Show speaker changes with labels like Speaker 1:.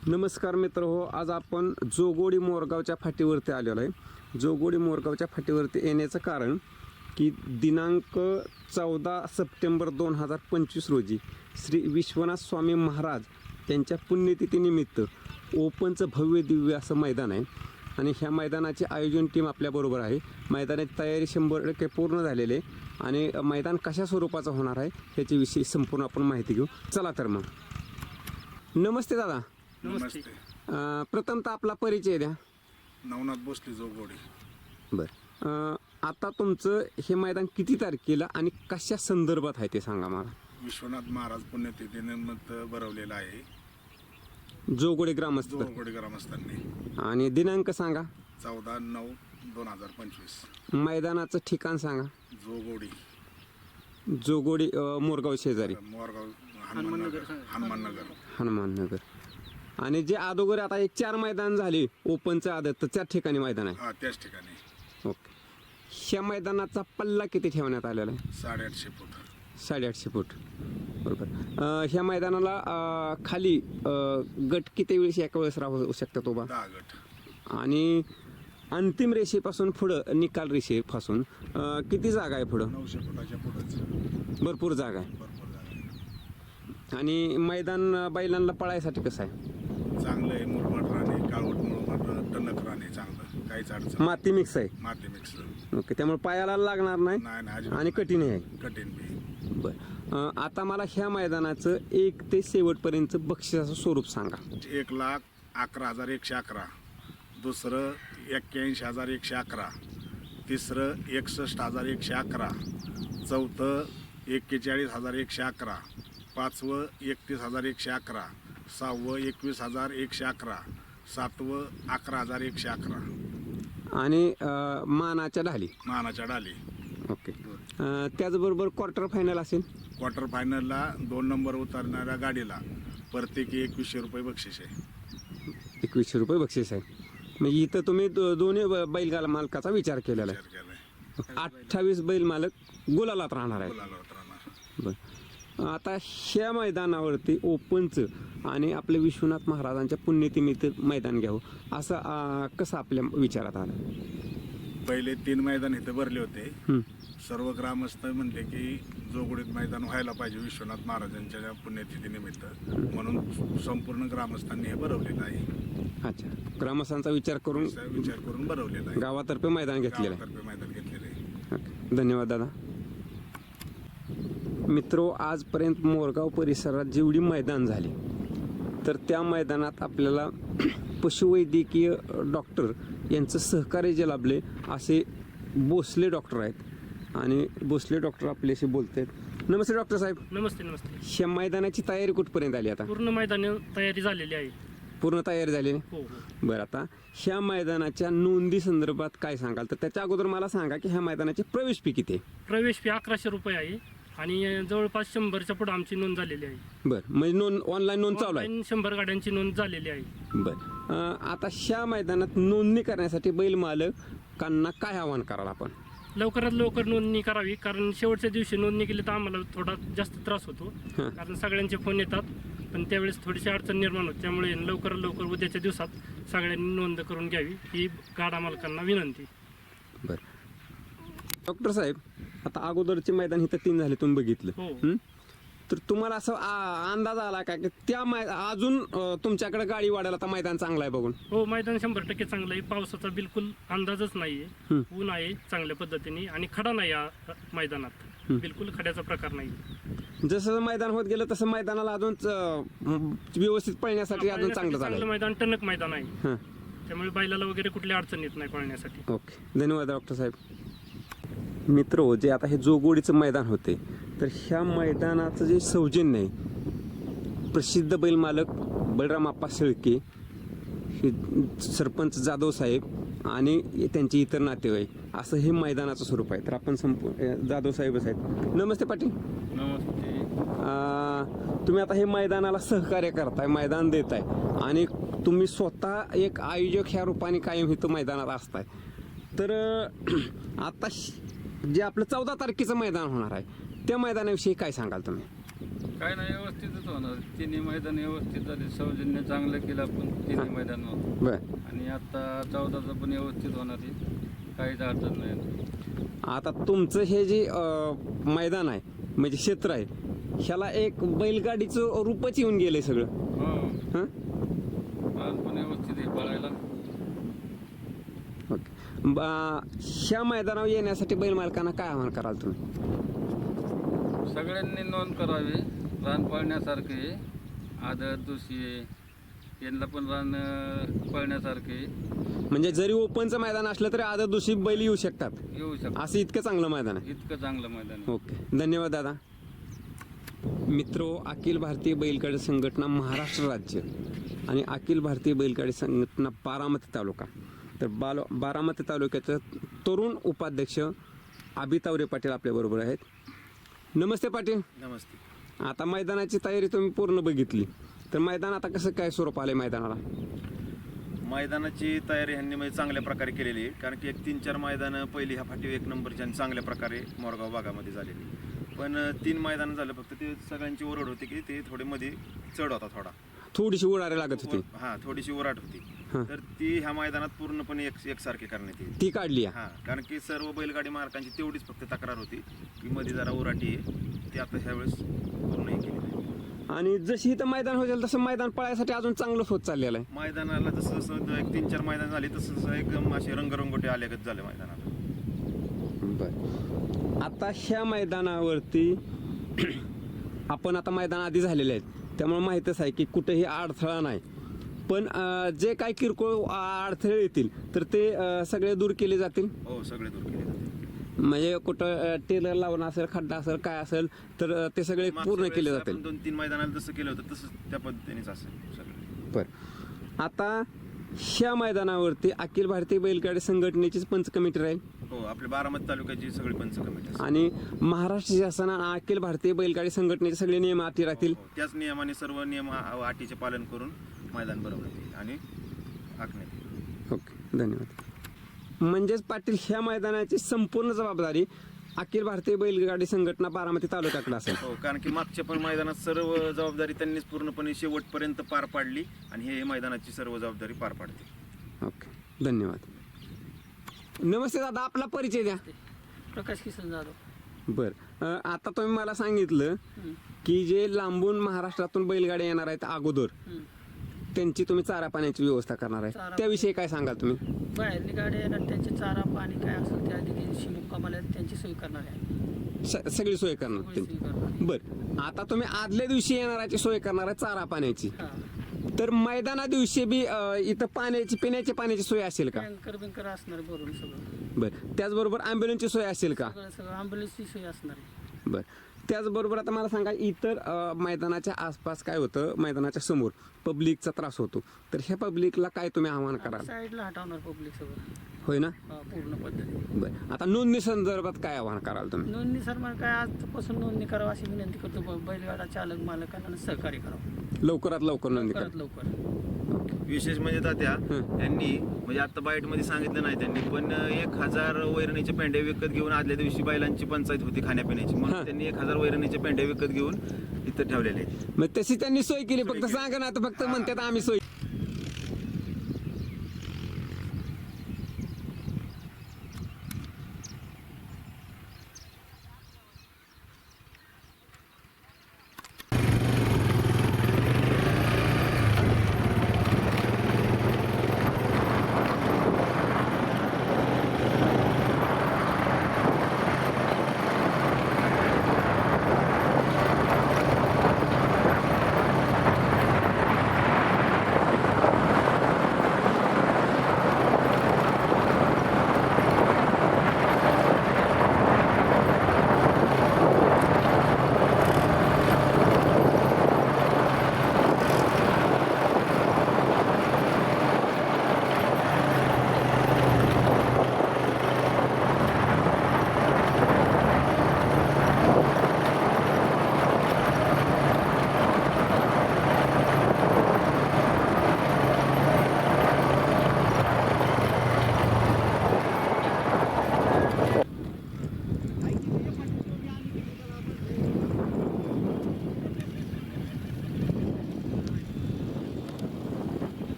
Speaker 1: नमस्कार मित्र हो, आज आपण जोगोडी मोरगावच्या फाटीवरती आलेलो आहे. जोगोडी मोरगावच्या फाटीवरती येण्याचं कारण की दिनांक 14 सप्टेंबर 2025 रोजी श्री विश्वनाथ स्वामी महाराज त्यांच्या पुण्यतिथीनिमित्त ओपनचं भव्य दिव्य असं मैदान आहे आणि ह्या मैदानाचे आयोजन टीम आपल्याबरोबर आहे. मैदानाची तयारी 100% पूर्ण झालेली आहे आणि मैदान कशा स्वरूपाचं होणार आहे ह्याच्याविषयी संपूर्ण आपण माहिती घेऊ. चला तर मग. नमस्ते दादा.
Speaker 2: नमस्ते.
Speaker 1: प्रथमतः आपला परिचय द्या.
Speaker 2: नवनाथ भोसले जोगोडी.
Speaker 1: बरं, आता तुमचं हे मैदान किती तारखेला आणि कशा संदर्भात आहे ते सांगा मला.
Speaker 2: विश्वनाथ महाराज पुण्यतिथीनिमित्त भरवलेला आहे
Speaker 1: जोगोडी ग्रामस्थ
Speaker 2: जोगोडी ग्रामस्थांनी.
Speaker 1: आणि दिनांक सांगा.
Speaker 2: 14/9/2025.
Speaker 1: मैदानाचं ठिकाण सांगा.
Speaker 2: जोगोडी
Speaker 1: जोगोडी मोरगाव शेजारी
Speaker 2: मोरगाव हनुमाननगर.
Speaker 1: हनुमाननगर. आणि जे अगोदर आता एक 4 मैदान झाले ओपनचं आदत तर 4 ठिकाणी मैदान आहे.
Speaker 2: हा, त्याच ठिकाणी.
Speaker 1: ओके. ह्या मैदानाचा पल्ला किती ठेवण्यात आलेला आहे?
Speaker 2: 850 फूट.
Speaker 1: 850 फूट. बरोबर. ह्या मैदानाला खाली गट किती वेळेस एका वेळेस राहू शकतात उभा?
Speaker 2: 10 गट.
Speaker 1: आणि अंतिम रेषेपासून पुढं निकाल रेषेपासून किती जागा आहे पुढं?
Speaker 2: 900 फुटाच्या पुढंच
Speaker 1: भरपूर जागा आहे.
Speaker 2: भरपूर जागा आहे.
Speaker 1: आणि मैदान बैलांना पळायसाठी कसं आहे?
Speaker 2: चांगलं आहे. मुरमाड राणे, काळवट मुरमाड, टणक राणे चांगलं. काहीच अडचण.
Speaker 1: माती मिक्स आहे.
Speaker 2: माती मिक्स.
Speaker 1: ओके. त्यामुळे पायाला लागणार नाही
Speaker 2: नाही
Speaker 1: आणि कठीण आहे.
Speaker 2: कठीण बी.
Speaker 1: बरं, आता मला ह्या मैदानाचं 1 ते शेवटपर्यंत बक्षिसाचं स्वरूप सांगा.
Speaker 2: 1,11,111. दुसरं 81,111. तिसरं 61,111. चौथं 41,111. पाचवं 31,111. सहावं 21,111. सातवं 11,111.
Speaker 1: आणि मानाच्या ढाली.
Speaker 2: मानाच्या डाली.
Speaker 1: ओके. त्याचबरोबर क्वार्टर फायनल असेल.
Speaker 2: क्वार्टर फायनलला 2 नंबर उतरणाऱ्या गाडीला प्रत्येकी 2100 रुपये बक्षीस आहे.
Speaker 1: 2100 रुपये बक्षीस आहे. म्हणजे इथं तुम्ही दोन्ही बैलगाला मालकाचा विचार केलेला आहे.
Speaker 2: विचार केलाय.
Speaker 1: 28 बैल मालक गुलालात राहणार आहे.
Speaker 2: बोलायला उतरणार.
Speaker 1: बरं, आता ह्या मैदानावरती ओपनचं आणि आपल्या विश्वनाथ महाराजांच्या पुण्यतिथीनिमित्त मैदान घ्यावं असं कसं आपल्या विचारात आलं?
Speaker 2: पहिले 3 मैदान इथे भरले होते.
Speaker 1: हं.
Speaker 2: सर्व ग्रामस्थ म्हणले की जोगोडीत मैदान व्हायला पाहिजे विश्वनाथ महाराजांच्या पुण्यतिथीनिमित्त, म्हणून संपूर्ण ग्रामस्थांनी हे भरवलेलं आहे.
Speaker 1: अच्छा. ग्रामस्थांचा विचार करून
Speaker 2: भरवलेलं आहे.
Speaker 1: गावातर्फे मैदान घेतलेलं आहे.
Speaker 2: गावातर्फे मैदान घेतलेलं आहे.
Speaker 1: ओके. धन्यवाद दादा. मित्रो, आजपर्यंत मोरगाव परिसरात जेवढी मैदान झाली तर त्या मैदानात आपल्याला पशुवैद्यकीय डॉक्टर यांचं सहकार्य जे लाभले असे भोसले डॉक्टर आहेत आणि भोसले डॉक्टर आपल्याशी बोलत आहेत. नमस्ते डॉक्टर साहेब.
Speaker 3: नमस्ते. नमस्ते.
Speaker 1: ह्या मैदानाची तयारी कुठपर्यंत आली? आता
Speaker 3: पूर्ण मैदान तयारी झालेली आहे.
Speaker 1: पूर्ण तयारी झाली.
Speaker 3: हो.
Speaker 1: बरं, आता ह्या मैदानाच्या नोंदी संदर्भात काय सांगाल? तर त्याच्या अगोदर मला सांगा की ह्या मैदानाची प्रवेश फी किती आहे?
Speaker 3: प्रवेश फी 1100 रुपये आहे आणि जवळपास 100च्या पुढे आमची नोंद झालेली आहे.
Speaker 1: बरं, म्हणजे ऑनलाईन नोंद चालू आहे.
Speaker 3: 100 गाड्यांची नोंद झालेली आहे.
Speaker 1: बरं, आता ह्या मैदानात नोंदणी करण्यासाठी बैल मालकांना काय आवाहन कराल आपण?
Speaker 3: लवकरात लवकर नोंदणी करावी, कारण शेवटच्या दिवशी नोंदणी केली तर आम्हाला थोडा जास्त त्रास होतो. कारण सगळ्यांचे फोन येतात पण त्यावेळेस थोडीशी अडचण निर्माण होते. त्यामुळे लवकरात लवकर उद्याच्या दिवसात सगळ्यांनी नोंद करून घ्यावी ही गाडा मालकांना विनंती.
Speaker 1: बरं डॉक्टर साहेब, आता अगोदरचे मैदान इथं 3 झाले तुम्ही बघितलं.
Speaker 3: हो.
Speaker 1: तर तुम्हाला असं अंदाज आला का की त्या अजून तुमच्याकडे गाडी वाढायला आता मैदान चांगलं आहे बघून?
Speaker 3: हो, मैदान 100% चांगलं आहे. पावसाचा बिलकुल अंदाजच नाहीये. ऊन आहे चांगल्या पद्धतीने आणि खडा नाही या मैदानात. बिलकुल खड्याचा प्रकार नाही.
Speaker 1: जसं मैदान होत गेलं तसं मैदानाला अजून व्यवस्थित पळण्यासाठी अजून चांगलं झालं.
Speaker 3: मैदान टणक मैदान आहे. त्यामुळे बैलाला वगैरे कुठली अडचण येत नाही पळण्यासाठी.
Speaker 1: ओके. धन्यवाद डॉक्टर साहेब. मित्र, जे आता हे जोगोडीचं मैदान होते तर ह्या मैदानाचं जे सौजन्य आहे प्रसिद्ध बैल मालक बलराम आप्पा शेळके, हे सरपंच जाधव साहेब आणि त्यांचे इतर नातेवाईक असं हे मैदानाचं स्वरूप आहे. तर आपण जाधव साहेबच आहेत. नमस्ते पाटील.
Speaker 2: नमस्ते.
Speaker 1: तुम्ही आता हे मैदानाला सहकार्य करताय, मैदान देताय आणि तुम्ही स्वतः एक आयोजक ह्या रूपाने कायम इथं मैदानात असताय. तर आता जे आपलं 14 तारखेचं मैदान होणार आहे त्या मैदानाविषयी काय सांगाल तुम्ही?
Speaker 4: काय नाही, व्यवस्थितच होणार. तिन्ही मैदान व्यवस्थित झाले, सौजन्य चांगलं केलं आपण तिन्ही मैदानावर.
Speaker 1: बर
Speaker 4: आणि आता 14चं पण व्यवस्थित होणार आहे, काहीच अडचण नाही.
Speaker 1: आता तुमचं हे जे मैदान आहे म्हणजे क्षेत्र आहे ह्याला एक बैलगाडीचं रूपच येऊन गेलंय सगळं.
Speaker 4: हो,
Speaker 1: हं?
Speaker 4: रान पण व्यवस्थित आहे पळायला.
Speaker 1: ओके. ह्या मैदानावर येण्यासाठी बैल मालकांना काय आव्हान कराल तुम्ही?
Speaker 4: सगळ्यांनी नोंद करावी. रान पळण्यासारखे, आदत दुसरी यांना पण रान पळण्यासारखे
Speaker 1: म्हणजे जरी ओपनचं मैदान असलं तरी आदर दुसरी बैल येऊ शकतात,
Speaker 4: येऊ शकतात.
Speaker 1: असं इतकं चांगलं मैदान आहे.
Speaker 4: इतकं चांगलं मैदान आहे.
Speaker 1: ओके, धन्यवाद दादा. मित्रो, अखिल भारतीय बैलगाडी संघटना महाराष्ट्र राज्य आणि अखिल भारतीय बैलगाडी संघटना बारामती तालुका, तर बारामती तालुक्याचे तरुण उपाध्यक्ष अभितावरे पाटील आपल्याबरोबर आहेत. नमस्ते पाटील.
Speaker 5: नमस्ते.
Speaker 1: आता मैदानाची तयारी तुम्ही पूर्ण बघितली, तर मैदान आता कसं काय स्वरूप आलंय मैदानाला?
Speaker 5: मैदानाची तयारी ह्यांनी म्हणजे चांगल्या प्रकारे केलेली आहे, कारण की 3-4 मैदानं पहिली ह्या फाटी 1 नंबरची आणि चांगल्या प्रकारे मोरगाव भागामध्ये झालेली. पण 3 मैदानं झालं, फक्त ते सगळ्यांची ओरड होती की ते थोडे मध्ये चढ होता,
Speaker 1: थोडीशी उडारे लागत होती.
Speaker 5: हा, थोडीशी ओराट होती.
Speaker 1: हां.
Speaker 5: तर ती ह्या मैदानात पूर्णपणे एकसारखी करण्यात येईल.
Speaker 1: ती काढली आहे.
Speaker 5: हा, कारण की सर्व बैलगाडी मालकांची तेवढीच फक्त तक्रार होती की मध्ये जरा ओराटी आहे, ती आता ह्यावेळेस पूर्ण हे केली आहे.
Speaker 1: आणि जशी इथं मैदान होईल तसं मैदान पळायसाठी अजून चांगलं होत चाललेलं आहे.
Speaker 5: मैदानाला जसं जसं 1-3-4 मैदान झाली तसं तसं एकदम असे रंगरंगोटे आल्यागत झाले मैदानाला.
Speaker 1: बर, आता ह्या मैदानावरती आपण आता मैदान आधी झालेले आहेत त्यामुळे माहीतच आहे की कुठेही अडथळा नाही. पण जे काही किरकोळ अडथळे येतील तर ते सगळे दूर केले जातील.
Speaker 5: हो, सगळे दूर केले जाते.
Speaker 1: म्हणजे कुठं टेलर लावणं असेल, खड्डा असेल, काय असेल तर ते सगळे पूर्ण केले जातील.
Speaker 5: 2-3 मैदानाला जसं केलं होतं तसंच त्या पद्धतीनेच असेल सगळं.
Speaker 1: बर, आता ह्या मैदानावरती अखिल भारतीय बैलगाडी संघटनेचीच पंच कमिटी राहील.
Speaker 5: हो, आपल्या बारामती तालुक्याची सगळी पंच कमिटी असेल.
Speaker 1: आणि महाराष्ट्र शासनानं अखिल भारतीय बैलगाडी संघटनेचे सगळे नियम अटी राहतील.
Speaker 5: हो, त्याच नियमाने सर्व नियम अटीचे पालन करून मैदान बनवण्यात येईल आणि आखण्यात येईल.
Speaker 1: ओके, धन्यवाद. म्हणजेच पाटील, ह्या मैदानाची संपूर्ण जबाबदारी अखिल भारतीय बैलगाडी संघटना बारामती तालुक्याकडे असेल.
Speaker 5: हो, कारण की मागच्या पण मैदानात सर्व जबाबदारी त्यांनीच पूर्णपणे शेवटपर्यंत पार पाडली आणि हे मैदानाची सर्व जबाबदारी पार पाडते.
Speaker 1: ओके, धन्यवाद. नमस्ते दादा, आपला परिचय द्या.
Speaker 6: प्रकाश किसन जाधव.
Speaker 1: बर, आता तुम्ही मला सांगितलं की जे लांबून महाराष्ट्रातून बैलगाड्या येणार आहेत अगोदर त्यांची तुम्ही चारा पाण्याची व्यवस्था करणार आहे,
Speaker 6: चारा-
Speaker 1: त्याविषयी काय सांगाल तुम्ही?
Speaker 6: बाहेरनी गाड्या येणार, त्यांचे चारा पाणी काय असेल त्या दिवशी मुक्कामाला त्यांची सोय करणार आहे.
Speaker 1: सगळी सोय करणार
Speaker 6: सगळी
Speaker 1: तुम्ही?
Speaker 6: सोय करणार आहे.
Speaker 1: बर, आता तुम्ही आदल्या दिवशी येणाराची सोय करणार आहे चारा पाण्याची,
Speaker 6: हा.
Speaker 1: तर मैदाना दिवशी बी इथं पाण्याची, पिण्याची पाण्याची सोय असेल का?
Speaker 6: टँकर बिंकर असणार आहे भरून सगळं.
Speaker 1: बर, त्याचबरोबर ॲम्ब्युलन्सची सोय असेल का?
Speaker 6: सगळं ॲम्ब्युलन्सची सोय असणार आहे.
Speaker 1: बर, त्याचबरोबर आता मला सांगा, इतर मैदानाच्या आसपास काय होतं, मैदानाच्या समोर पब्लिकचा त्रास होतो, तर ह्या पब्लिकला काय तुम्ही आव्हान कराल?
Speaker 6: साईडला हटवणार पब्लिक सगळं.
Speaker 1: होय ना?
Speaker 6: हा, पूर्ण पद्धती.
Speaker 1: बर, आता नोंदणी संदर्भात काय आव्हान कराल तुम्ही?
Speaker 6: नोंदणी सर मग काय आजपासून नोंदणी करावं अशी विनंती करतो. बैलगाडा चालक मालकांना सहकार्य करावं
Speaker 1: लवकरात लवकर नोंदणी करा.
Speaker 6: लवकर.
Speaker 5: विशेष म्हणजे तात्या यांनी म्हणजे आता बाईट मध्ये सांगितलं नाही त्यांनी, पण 1000 वैरणीचे पेंढे विकत घेऊन आदल्या दिवशी बैलांची पंचायत होती खाण्यापिण्याची, म्हणून त्यांनी 1000 वैरणीचे पेंढे विकत घेऊन इथं ठेवलेले.
Speaker 1: मग तशी त्यांनी सोय केली, फक्त सांगा ना, आता फक्त म्हणतात आम्ही सोय.